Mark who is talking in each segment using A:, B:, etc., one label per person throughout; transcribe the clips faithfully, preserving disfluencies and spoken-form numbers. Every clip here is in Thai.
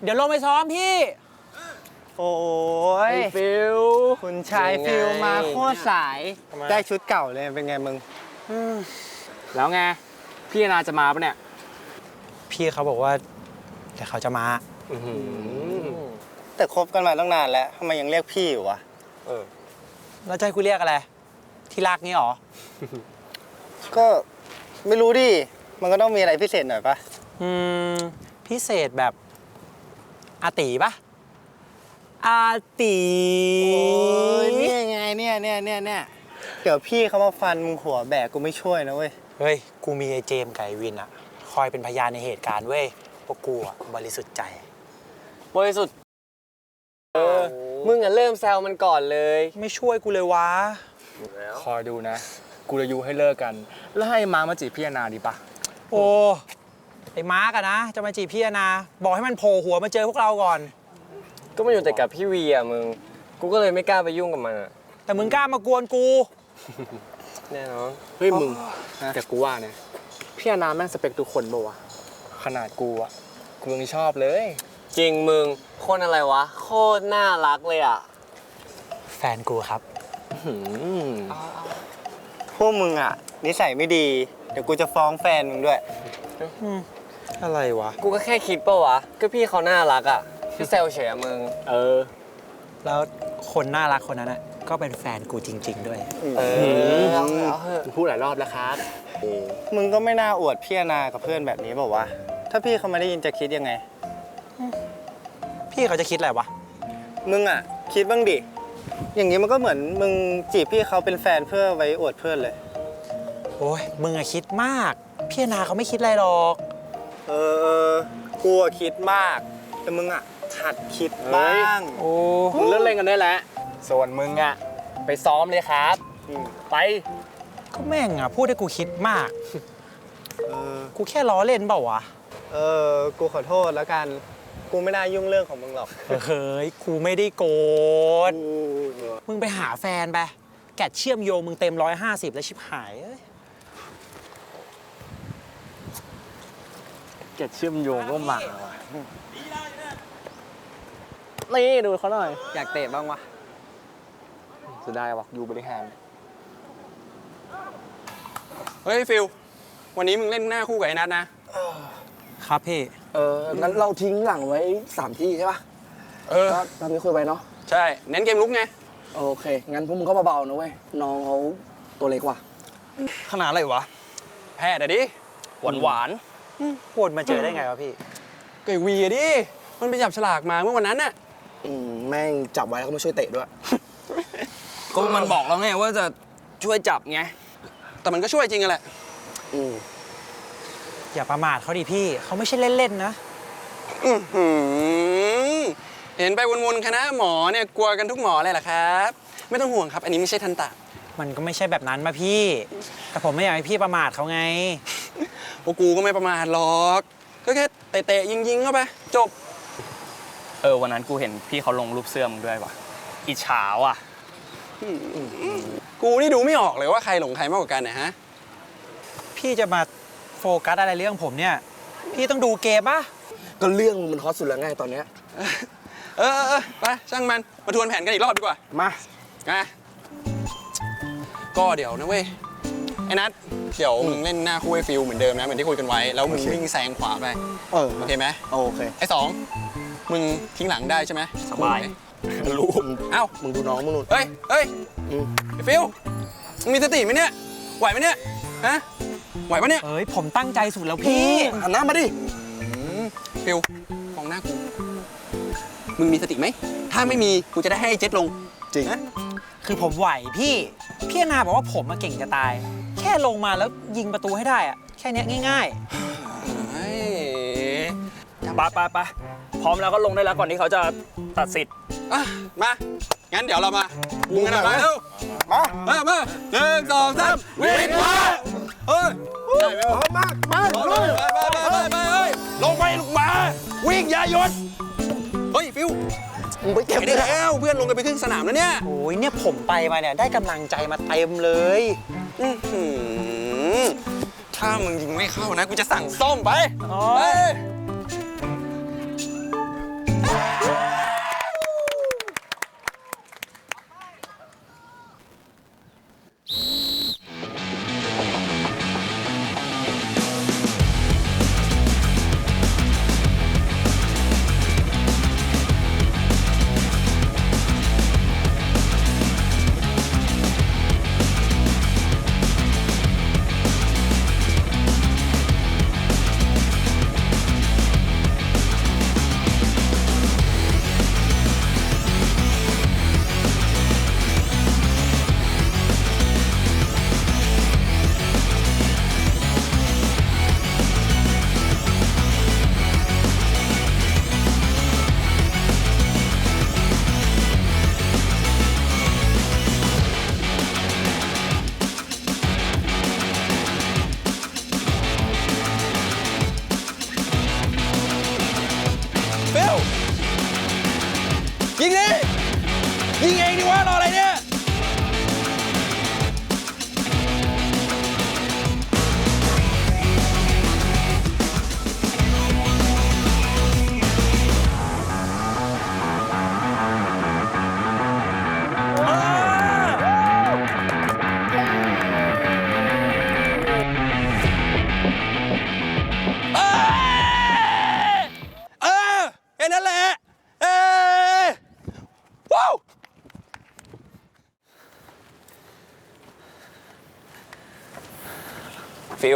A: เดี๋ยวลงไปซ้อมพี่
B: โอ้ย
C: ฟิล
B: คุณชายฟิลมาโคตรสายได้ชุดเก่าเลยเป็นไงมึง
C: แล้วไงพี่นาจะมาปะเนี่ย
A: พี่เขาบอกว่าเดี๋ยวเขาจะมา
B: แต่คบกันมาตั้งนานแล้วทำไมยังเรียกพี่อยู่วะ
C: เออ
A: แล้วจะให้กูเรียกอะไร ที่รักนี่หรอ
B: ก็ไม่รู้ดิมันก็ต้องมีอะไรพิเศษหน่อยปะ
A: อืม พิเศษแบบอาตีปะอาตี
B: โอ้ยเนี่ยไงเนี่ยเนี่ยเนี่ยเนี่ยเดี๋ยวพี่เขามาฟันมึงหัวแบกกูไม่ช่วยนะเว้ย
A: เฮ้ย กูมีไอเจมส์ไก่วินอะคอยเป็นพยานในเหตุการณ์เว้ยพวกกูอะบริสุทธิ์ใจ
C: บริสุทธิ์เออมึงอ่ะเริ่มแซวมันก่อนเลย
A: ไม่ช่วยกูเลยวะ
C: คอยดูนะ กูจะยูให้เลิกกัน แล้วให้มามาจีบพี่นาดีปะ
A: โอ้ไอ้มาร์กอะนะ จะมาจีบพี่อนาบอกให้มันโผล่หัวมาเจอพวกเราก่อน
D: ก็มาอยู่แต่กับพี่วีอ่ะมึง กูก็เลยไม่กล้าไปยุ่งกับมันอ่ะ
A: แต่มึงกล้ามากวนกู
D: แน่นอน
C: เฮ้ยมึงแต่กูว่าเนี่ยพี่นาแม่งสเปคทุกคนปะวะขนาดกูอะกูยังชอบเลย
D: จริงมึงคนอะไรวะ โคตรน่ารักเลยอ่ะ
A: แฟนกูครับ
B: พวกมึงอ่ะนิสัยไม่ดีเดี๋ยวกูจะฟ้องแฟนมึงด้วย
A: อะไรวะ
D: กูก็แค่คิดปะวะ ก็พี่เขาน่ารักอ่ะพี่แซวเฉยอะมึง
C: เออ
A: แล้วคนน่ารักคนนั้นอะก็เป็นแฟนกูจริง ๆ ด้วย
D: เออเอาเถอะเอาเถอะ
C: พูดหลายรอบแล้วครับ
B: มึงก็ไม่น่าอวดพี่นากับเพื่อนแบบนี้บอกว่าวะถ้าพี่เขาไม่ได้ยินจะคิดยังไง
A: พี่เขาจะคิดอะไรวะ
B: มึงอ่ะคิดบ้างดิอย่างนี้มันก็เหมือนมึงจีบพี่เขาเป็นแฟนเพื่อไว้อวดเพื่อนเลย
A: โอ้ยมึงอะคิดมาก พี่อนาเขาไม่คิดอะไรหรอก
B: เออเออกูอะคิดมาก แต่มึงอ่ะหัดคิดบ้าง
A: โอ้
C: มึงเลิกเล่นกันได้แล้ว ส่วนมึงอะไปซ้อมเลยครับ
B: อืม
C: ไป
A: ก็แม่งอะพูดให้กูคิดมาก
B: เออ
A: กูแค่ล้อเล่นเปล่าวะ
B: เออกูขอโทษแล้วกันกูไม่น่ายุ่งเรื่องของมึงหรอก
A: เฮ้ย กูไม่ได้โกรธ มึงไปหาแฟนไป แกะเชื่อมโยงมึงเต็มร้อยห้าสิบแล้วชิบหายเอ้ย
C: เก็ดเชื่อมโยงก็มาว่ะนี่ดูเขาหน่อย
B: อยากเตะบ้างวะ
C: จะได้วะอยู่บริหาร
E: เฮ้ยฟิลวันนี้มึงเล่นหน้าคู่กับไอ้นัทนะ
A: ครับพี่
F: เออ งั้นเราทิ้งหลังไว้สามที่ใช่ป่ะ
E: เออ
F: ก็ตามที่คุยไปเนาะ
E: ใช่ เน้นเกมลุกไง
F: โอเค งั้นพวกมึงก็เบาๆนะเว้ย น้องเขาตัวเล็กกว่า
A: ขนาดอะไรวะ
E: แพ้แต่ดิ หวานหวาน
A: โหดมาเจอได้ไงวะพี่
E: ๆเก่งวีอะดิ มันไปจับฉลากมาเมื่อวันนั้นน่ะ
F: อืม แม่งจับไว้แล้วก็มาช่วยเตะด้วย
D: ก็มันบอกแล้วไงว่าจะช่วยจับไง
E: แต่มันก็ช่วยจริงอะแหละ
F: อืม
A: อย่าประมาทเขาดิพี่ เขาไม่ใช่เล่นๆนะ
E: อื้อหือเห็นไปวนๆคณะหมอเนี่ยกลัวกันทุกหมอเลยเหรอครับ ไม่ต้องห่วงครับ อันนี้ไม่ใช่ทันตะ
A: มันก็ไม่ใช่แบบนั้นมาพี่ แต่ผมไม่อยากให้พี่ประมาทเขาไง
E: พวกกูก็ไม่ประมาทหรอก ก็แค่เตะๆยิงๆเข้าไป จบ
D: เออวันนั้นกูเห็นพี่เขาลงรูปเสื้อมึงด้วยว่ะ อิจฉาว่ะ
E: กูนี่ดูไม่ออกเลยว่าใครหลงใครมากกว่ากันนะฮะ
A: พี่จะมาโฟกัสอะไรเรื่องผมเนี่ย พี่ต้องดูเกมปะ
F: ก็เรื่องมึงมันฮอตสุดแล้วไงตอนเนี้ย
E: เออเออเออไปช่างมัน มาทวนแผนกันอีกรอบดีกว่า
F: มา
E: นะก็เดี๋ยวนะเว้ย ไอ้นัทเดี๋ยวมึงเล่นหน้าคู่ไอ้ฟิลเหมือนเดิมนะ เหมือนที่คุยกันไว้ แล้วมึงวิ่งแซงขวาไป
F: เออ
E: โอเคไหม
F: โอเค
E: ไอ้สองมึงทิ้งหลังได้ใช่ไหม
D: สบาย
E: รู้เอ้า
F: มึงดูน้องมึงนู่น
E: เฮ้ยเฮ้ย
F: อืม
E: ไอ้ฟิลมึงมีสติไหมเนี่ย ไหวไหมเนี่ย ฮะ ไหวปะเนี่ย
A: เอ้ย ผมตั้งใจสุดแล้วพี่
F: หันหน้ามาดิ
E: ฟิลมองหน้ากู มึงมีสติไหม ถ้าไม่มีกูจะได้ให้ไอ้เจ็ดลง
F: จริง
E: นะ
A: คือผมไหวพี่ พี่อนาบอกว่าผมมาเก่งจะตาย แค่ลงมาแล้วยิงประตูให้ได้อะแค่เนี้ยง่าย
E: เฮ้ย
D: ไปไปไปพร้อมแล้วก็ลงได้แล้วก่อนที่เขาจะตัดสิทธิ์
E: อ่ะมา งั้นเดี๋ยวเรามามึงกันนะมาเร็ว
B: มา
E: มามาหนึ่งสองสามวิ่งมาเฮ้ยได้ไหมวะ
F: มา มา
E: ไปไปไปไปไปเฮ้ยลงไปลงมา วิ่งอย่าหยุดเฮ้ยฟิว
F: มึงไปเก็บ
E: ไป
F: ดิ
E: ได้แล้วเพื่อนลงกันไปครึ่งสนามแล้วเนี่ย
A: ๆ โอ้ยเนี่ยผมไปมาเนี่ยได้กำลังใจมาเต็มเลย
E: อื้อหือถ้ามึงยิงไม่เข้านะกูจะสั่งส้มไป
A: อ๋อ
E: ไปยิงเองดิวะรออะไรเนี่ยเออแค่นั้นแหละ เอ้ยว้าวฟิล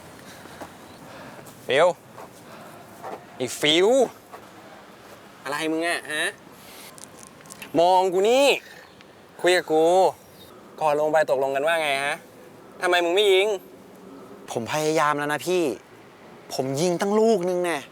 E: ฟิลอีกฟิลอะไรมึงอะฮะ มองกูนี่ คุยกับกู ก่อนลงไปตกลงกันว่าไงฮะทำไมมึงไม่ยิง
A: ผมพยายามแล้วนะพี่ ผมยิงตั้งลูกนึงแน่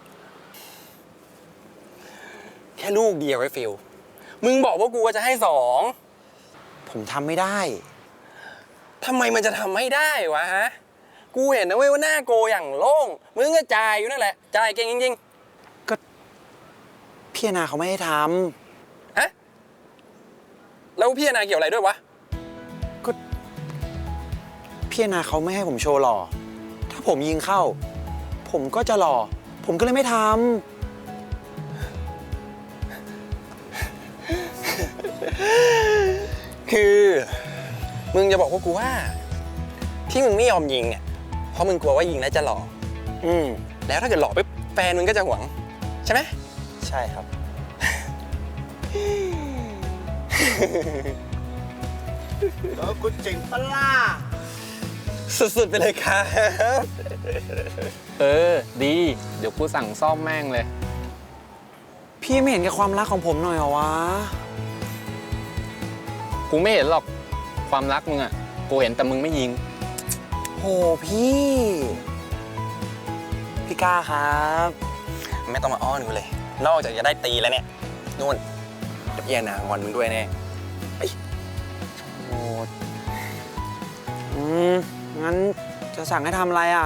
E: แค่ลูกเดียวไอ้ฟิลมึงบอกว่ากูว่าจะให้สอง
A: ผมทำไม่ได้
E: ทำไมมันจะทำไม่ได้วะฮะ กูเห็นนะเว้ยว่าหน้าโกอย่างโล่ง มึงก็จ่ายอยู่นั่นแหละ จ่ายเก่งจริง
A: พี่อนาเขาไม่ให้ท
E: ๆ ฮะ แล้วพี่อนาเกี่ยวอะไรด้วยวะ
A: ำพี่อนาเขาไม่ให้ผมโชว์หล่อ ถ้าผมยิงเข้า ผมก็จะหล่อ ผมก็เลยไม่ท
E: คือ มึงจะบอกว่ากูว่า ที่มึงไม่ยอมยิงเนี่ย เพราะมึงกลัวว่ายิงแล้วจะหล่อ
A: ำอืม
E: แล้วถ้าเกิดหล่อปุ๊บแฟนมึงก็จะหวง ใช่ไหม
A: ใช่ครับ
B: แล้วกูเจ๋งปะล่ะ
E: สุดๆไปเลยครับ
C: เออ ดี เดี๋ยวกูสั่งซ่อมแม่งเลย
A: พี่ไม่เห็นแก่ความรักของผมหน่อยเหรอวะ
C: กูไม่เห็นหรอกความรักมึงอะกูเห็นแต่มึงไม่ยิง
A: โหพี่ พี่ก้าครับ
E: ไม่ต้องมาอ้อนกูเลย นอกจากจะได้ตีแล้วเนี่ย นู่นเดี๋ยวพี่อนางอนมึงด้วยแน่
A: โอ้อืม งั้นจะสั่งให้ทำอะไรอ่ะ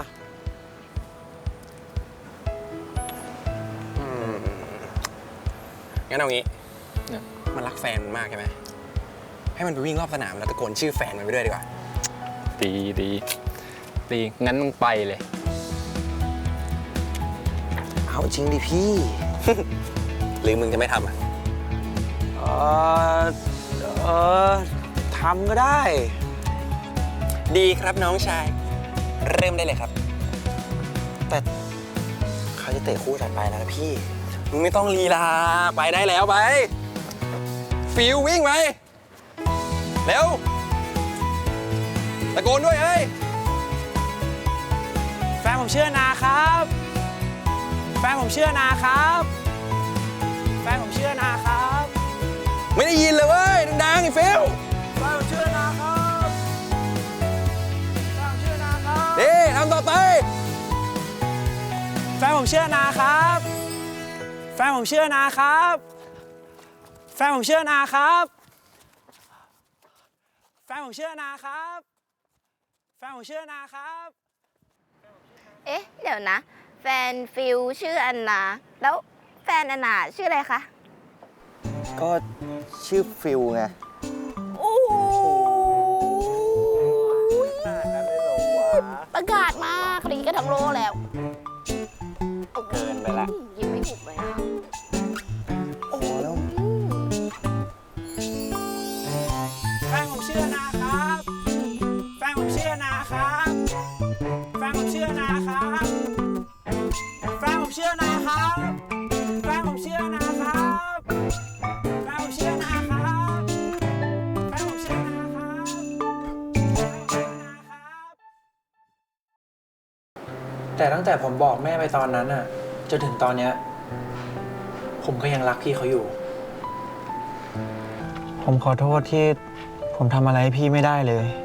E: อืมงั้นเอางี้
C: เนี่ย
E: มันรักแฟนมันมากใช่ไหม ให้มันไปวิ่งรอบสนามแล้วตะโกนชื่อแฟนมันไปด้วยดีกว่า
C: ดีดีดี งั้นมึงไปเลย
A: เอาจริงดิพี่
E: หรือมึงจะไม่ทำอ่ะ
A: เออเออทำก็ได้
E: ดีครับน้องชาย เริ่มได้เลยครับ
A: แต่เขาจะเตะคู่ถัดไปแล้วนะพี่
E: มึงไม่ต้องลีลา ไปได้แล้วไป ฟิววิ่งไป เร็ว ตะโกนด้วยเฮ้ย
A: แฟนผมเชื่อนาครับ แฟนผมเชื่อนาครับ แฟนผมเชื่อนาครับ
E: ไม่ได้ยินเลยเว้ย ดังๆไอ้ฟิว
A: แฟนผมเชื่อนาครับแฟนผมเชื่อนาครับ
E: ดีทำต่อไป
A: แฟนผมเชื่อนาครับ แฟนผมเชื่อนาครับ แฟนผมเชื่อนาครับ แฟนผมเชื่อนาครับ แฟนผมเชื่อนาครับ
G: เอ๊ะ เดี๋ยวนะ แฟนฟิลชื่ออันนา แล้วแฟนอันนาชื่ออะไรคะ
B: ก็ชื่อฟิลไง
G: โอ้โหประกาศมากคดีก็ทั้งโลแล้ว
C: เกินไปละ
G: ยิ้มไม่ถูกเลยอะ
B: โอ้แล้ว
A: แฟนผมเชื่อนาครับ แฟนผมเชื่อนาครับ แฟนผมเชื่อนาครับ แฟนผมเชื่อนาครับ แฟนผมเชื่อนาครับ แฟนผมเชื่อนาครับ แฟนผมเชื่อนาครับ
H: แต่ตั้งแต่ผมบอกแม่ไปตอนนั้นน่ะจนถึงตอนเนี้ยผมก็ยังรักพี่เขาอยู่
B: ผมขอโทษที่ผมทำอะไรให้พี่ไม่ได้เลย